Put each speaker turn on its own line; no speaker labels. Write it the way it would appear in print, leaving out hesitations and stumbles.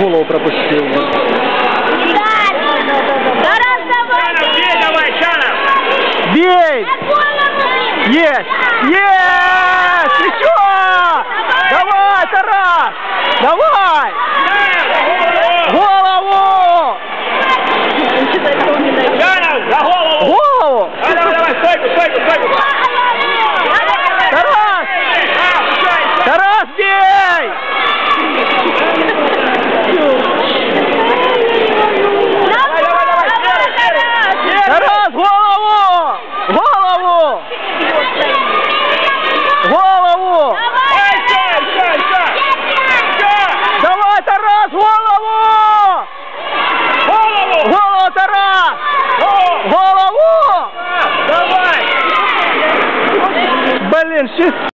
голову пропустил. Бей! Есть! Есть! Еще! Давай, Тарас! Давай! Голову! Голову!
Давай, стойку!
Тарас! Тарас, бей! Тарас, голову! Голову! Голову! Давай, Тарас, голову! Голову, Тарас! Голову!
Давай!
Блин,